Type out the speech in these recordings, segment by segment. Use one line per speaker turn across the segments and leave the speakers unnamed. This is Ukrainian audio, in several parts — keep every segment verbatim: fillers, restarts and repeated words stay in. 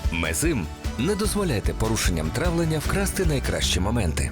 Мезим. Не дозволяйте порушенням травлення вкрасти найкращі моменти.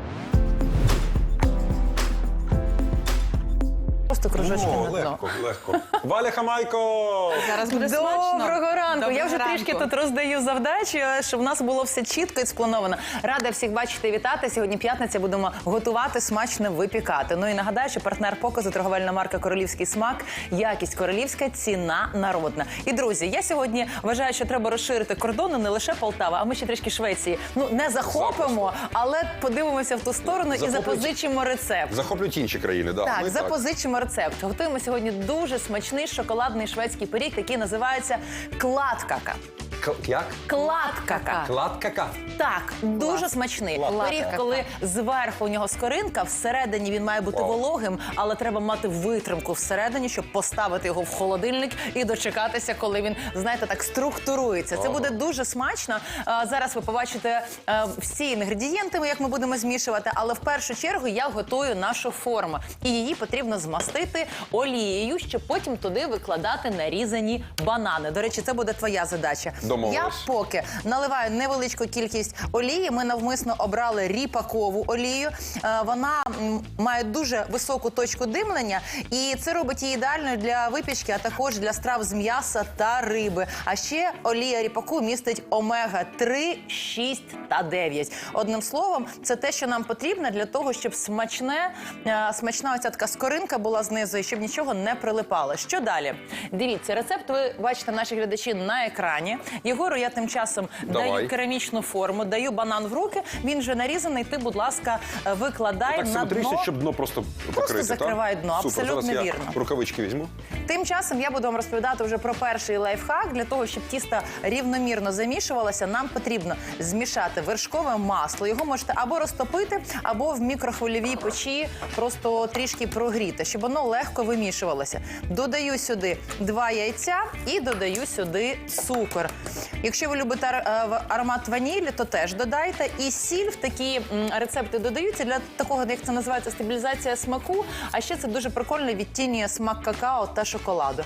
Просто кружочки
О,
на дно.
легко, легко. Валя Хамайко!
Зараз буде смачно.
Доброго ранку.
Доброго
Я вже
ранку.
трішки тут роздаю завдачі, щоб в нас було все чітко і сплановано. Рада всіх бачити і вітати. Сьогодні п'ятниця, будемо готувати, смачно випікати. Ну і нагадаю, що партнер показу – торговельна марка «Королівський смак». Якість королівська, ціна народна. І, друзі, я сьогодні вважаю, що треба розширити кордони не лише Полтава, а ми ще трішки Швеції. Ну, не захопимо, але подивимося в ту сторону і
Захоплюють-
запозичимо рецепт.
Захоплюють інші країни, да.
Так,
ми
запозичимо рецепт. Готуємо сьогодні дуже смачний шоколадний шведський пиріг, який називається кладкака.
К- Як?
Кладкака.
Кладкака.
Так, дуже смачний.
Кладкака.
Пиріг, коли зверху у нього скоринка, всередині він має бути
Вау.
вологим, але треба мати витримку всередині, щоб поставити його в холодильник і дочекатися, коли він, знаєте, так структурується. Це буде дуже смачно. А, Зараз ви побачите е, всі інгредієнти, як ми будемо змішувати, але в першу чергу я готую нашу форму. І її потрібно змастити олією, щоб потім туди викладати нарізані банани. До речі, це буде твоя задача.
Домовились.
Я поки наливаю невеличку кількість олії. Ми навмисно обрали ріпакову олію. Е, Вона м, має дуже високу точку димлення, і це робить її ідеальною для випічки, а також для страв з м'яса та риби. А ще олія ріпаку містить омега три, шість та дев'ять. Одним словом, це те, що нам потрібно для того, щоб смачне, е, смачна оця така скоринка була знизу, і щоб нічого не прилипало. Що далі? Дивіться, рецепт ви бачите, наші глядачі, на екрані. Єгору я тим часом
Давай.
даю керамічну форму, даю банан в руки, він вже нарізаний, ти, будь ласка, викладай
Так
на
симетрично,
дно.
щоб дно просто покрити,
закривай
так?
дно,
Супер.
абсолютно
Зараз
вірно.
я рукавички візьму.
Тим часом я буду вам розповідати вже про перший лайфхак. Для того, щоб тісто рівномірно замішувалося, нам потрібно змішати вершкове масло. Його можете або розтопити, або в мікрохвильовій печі просто трішки прогріти, щоб воно легко вимішувалося. Додаю сюди два яйця і додаю сюди цукор. Якщо ви любите ар- е, аромат ванілі, то теж додайте. І сіль в такі м, рецепти додаються для такого, як це називається, стабілізація смаку. А ще це дуже прикольно відтінює смак какао та шоколаду.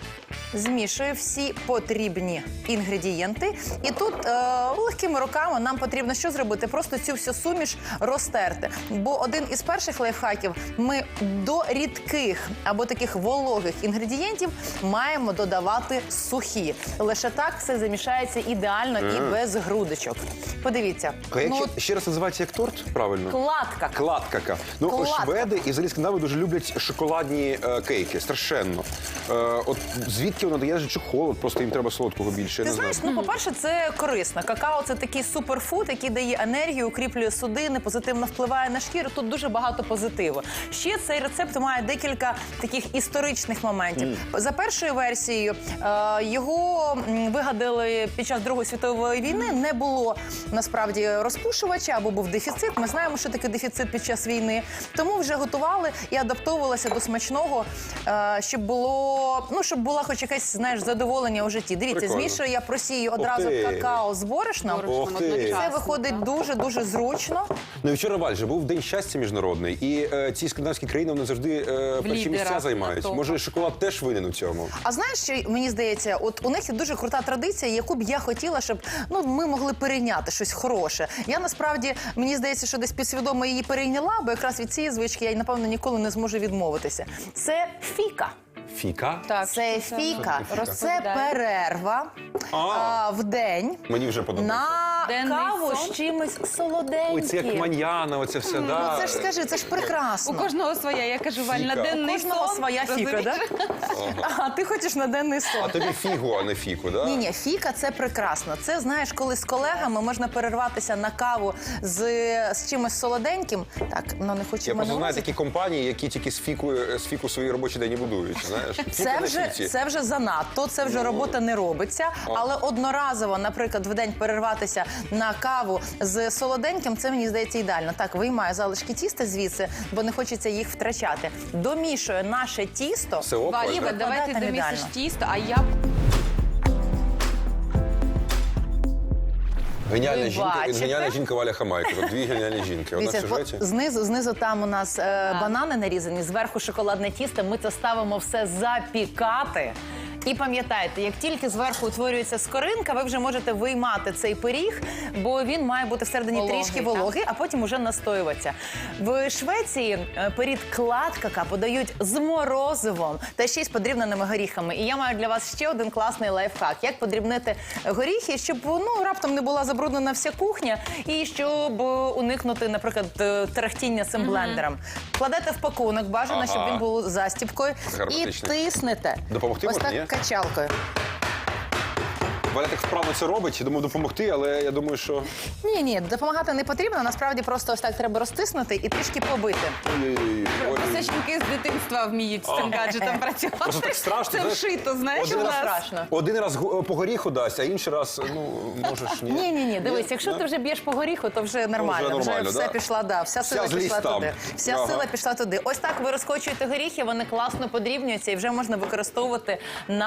Змішую всі потрібні інгредієнти. І тут е, легкими руками нам потрібно що зробити? Просто цю всю суміш розтерти. Бо один із перших лайфхаків – ми до рідких або таких вологих інгредієнтів маємо додавати сухі. Лише так все замішається ідеально і без грудочок. Подивіться.
А як
Ну,
ще, ще раз називається як торт? Правильно?
кладка.
Кладкака. Ну,
Кладкака.
шведи і взагалі скандинави дуже люблять шоколадні е, кейки. Страшенно. Е, от звідки воно дає, чи холод, просто їм треба солодкого більше. я
Ти
не
знаєш,
знаю.
ну, по-перше, це корисно. Какао – це такий суперфуд, який дає енергію, укріплює судини, позитивно впливає на шкіру. Тут дуже багато позитиву. Ще цей рецепт має декілька таких історичних моментів. За першою версією, е, його м, вигадали під час Другої світової війни. Не було, насправді, розпушувача або був дефіцит. Ми знаємо, що таке дефіцит під час війни. Тому вже готували і адаптовувалося до смачного, е, щоб було, ну, щоб була хоч якась, знаєш, задоволення у житті. Дивіться,
Прикольно.
змішую я просію одразу
ти.
какао з борошном.
Ох ти.
одночасно.
Це виходить дуже-дуже зручно.
Ну і вчора, Валь, же був День щастя міжнародний, і е, ці скандинавські країни вони завжди е, перші
лідерах
місця
на
займають.
топах.
Може, шоколад теж винен у цьому?
А знаєш, що мені здається, от у них є дуже крута традиція, яку б я хотіла, щоб ну ми могли перейняти щось хороше. Я насправді мені здається, що десь підсвідомо її перейняла, бо якраз від цієї звички я напевно ніколи не зможу відмовитися. Це фіка.
Фіка?
Так,
Це
що
фіка. Це
Розповідай.
перерва
А.
а, в день
Мені вже подобається.
на
Денний
каву
сон?
з чимось солоденьким.
Ой, це як маньяна, оце все,
Ну
да.
це ж скажи, це ж прекрасно.
У кожного своя, я кажу, Валь, на
Фіка.
денний
У кожного
сон.
своя фіка,
розумієш?
да? А ти хочеш на денний сон.
А тобі фігу, а не фіку, да?
Ні, ні, фіка це прекрасно. Це знаєш, коли з колегами можна перерватися на каву з, з чимось солоденьким. Так, ну не хочу
Я
мене
просто знаю
лозити.
такі компанії, які тільки з фіку, з фіку свої робочі день і будують. Знаєш? Фіка
Це
на
вже,
фіці.
це вже занадто, це вже робота не робиться. Але одноразово, наприклад, в день перерватися на каву з солоденьким, це, мені здається, ідеально. Так, виймаю залишки тіста звідси, бо не хочеться їх втрачати. Домішую наше тісто.
Все ок,
Валь,
Валь, да?
давай ти
Там
домісиш
ідеально.
тісто, а я...
Геніальна
Ви
жінка,
бачите?
геніальна жінка Валя Хамайко. От дві геніальні жінки. Одна в
Дивіться,
сюжеті.
от знизу, знизу там у нас е, банани нарізані, зверху шоколадне тісто. Ми це ставимо все запікати. І пам'ятайте, як тільки зверху утворюється скоринка, ви вже можете виймати цей пиріг, бо він має бути всередині
Вологий,
трішки
так.
вологий, а потім уже настоюватися. В Швеції е, пиріг кладкака подають з морозивом та ще й з подрібненими горіхами. І я маю для вас ще один класний лайфхак. Як подрібнити горіхи, щоб ну, раптом не була забруднена вся кухня і щоб уникнути, наприклад, е, тарахтіння цим блендером. Кладете в пакунок, бажано,
Ага.
щоб він був застіпкою, і
Гарматичний.
тиснете.
Допомогти
ось
можна,
так
ні?
качалкою.
Валя так вправно це робить, думаю, допомогти, але я думаю, що...
Ні, ні, допомагати не потрібно. Насправді просто ось так треба розтиснути і трішки побити.
Ой-ой-ой. Ой.
Це жінки з дитинства вміють з цим гаджетом працювати.
Просто так страшно,
Це
знаєш.
вшито, знаєш,
Один
у
раз-
нас.
Страшно.
Один раз гу- по горіху дасть, а інший раз, ну, можеш ні.
Ні, ні, ні, дивись, якщо
Да?
ти вже б'єш по горіху, то вже нормально.
вже нормально,
все
да?
пішла, да, вся
Вся
сила
злість
пішла
там.
туди. Вся
Ага.
сила пішла туди. Ось так ви розкочуєте горіхи, вони класно подрібнюються і вже можна використовувати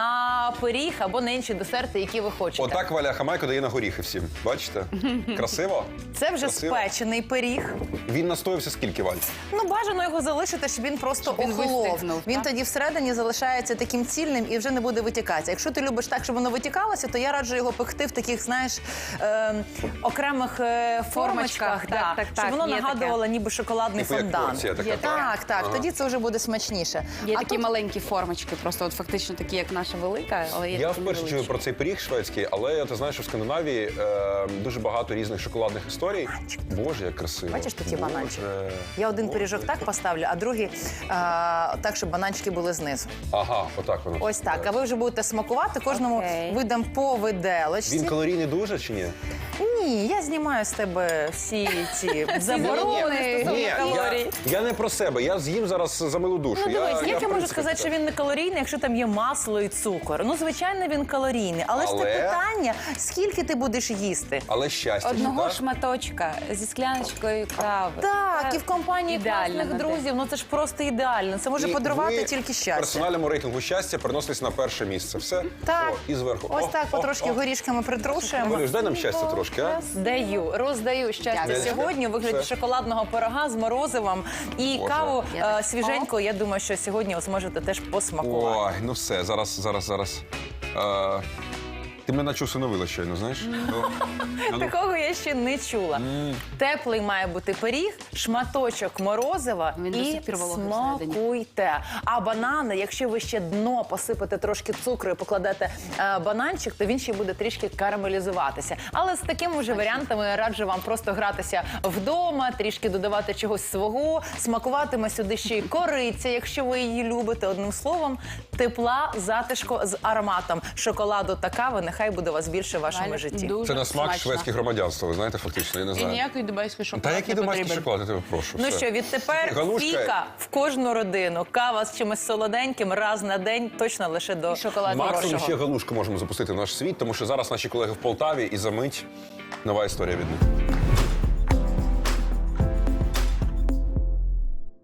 на пиріг або на інші десерти, які ви хочете.
Отак Валя Хамайко дає на горіхи всім. Бачите? Красиво?
Це вже
Красиво.
спечений пиріг.
Він настоявся скільки, Валь?
Ну, бажано його залишити, щоб він просто
Щоб він
охолов.
вистигнув,
Він
так?
тоді всередині залишається таким цільним і вже не буде витікатися. Якщо ти любиш так, щоб воно витікалося, то я раджу його пекти в таких, знаєш, е, окремих е, формочках,
Формочках,
да,
так, так,
щоб
так,
воно
є
нагадувало ніби шоколадний
Типу як
фондан.
порція така,
Є,
так?
так, так,
Ага.
тоді це вже буде смачніше.
Є
а
такі
тут
маленькі формочки, просто от фактично такі, як наша велика, але є
Я
такі
вперше чую
невеличкі.
про цей пиріг шведський, але ти знаєш, що в Скандинавії е, дуже багато різних шоколадних історій. Боже, як красиво.
Бачиш, тут є
Боже.
бананчик? Я один
Боже.
пиріжок так поставлю, а другий е, так, щоб бананчики були знизу.
Ага, отак воно.
Ось так. А ви вже будете смакувати, кожному
Окей.
видам по виделочці.
Він калорійний дуже чи ні?
Ні, я знімаю з тебе всі ці заборони
Ні,
стосовно
я,
калорій.
я не про себе. Я з'їм зараз за милу душу.
Ну дивись, як я,
в
можу
принципі,
сказати, що він не калорійний, якщо там є масло і цукор? Ну, звичайно, він калорійний. Але, ж
Але-
це питання, скільки ти будеш їсти?
Але щастя.
Одного
так?
шматочка зі скляночкою кави.
Так,
Це
і в компанії
ідеально
класних
на день.
друзів, ну це ж просто ідеально. Це може
І
подарувати
ви
тільки
В
щастя.
персональному рейтингу щастя переносились на перше місце. Все?
Так.
О, і зверху.
Ось
О,
так,
о,
потрошки
о.
горішками притрушуємо.
Валюш, дай нам щастя трошки, а?
Даю, роздаю щастя
Дякую.
сьогодні у вигляді
Все.
шоколадного пирога з морозивом і
Боже.
каву
Я
е, свіженьку. Я думаю, що сьогодні ви зможете теж посмакувати.
Ой, ну все, зараз, зараз, зараз. Е, ти мене наче усиновила щойно, знаєш? Ну, ну,
Такого я ще не чула. Теплий має бути пиріг, шматочок морозива
Він до
і
сих пір вологий всередині.
смакуйте. А банани, якщо ви ще дно посипете трошки цукру і покладете е, бананчик, то він ще буде трішки карамелізуватися. Але з такими вже варіантами я раджу вам просто гратися вдома, трішки додавати чогось свого, смакуватиме сюди ще й кориця, якщо ви її любите. Одним словом, тепла, затишку з ароматом шоколаду та кави. Нехай буде у вас більше в вашому
Валя,
житті.
дуже
Це на смак
смачно.
шведське громадянство, ви знаєте, фактично, я не
І
знаю.
ніякий дубайський шоколад
Та який
не
домашній
потрібен.
шоколад, я тебе прошу.
Ну
все.
що, відтепер
Галушка.
фіка в кожну родину. Кава з чимось солоденьким раз на день, точно лише до
шоколад
Максимум
хорошого.
ще галушку можемо запустити в наш світ, тому що зараз наші колеги в Полтаві і за мить нова історія від них.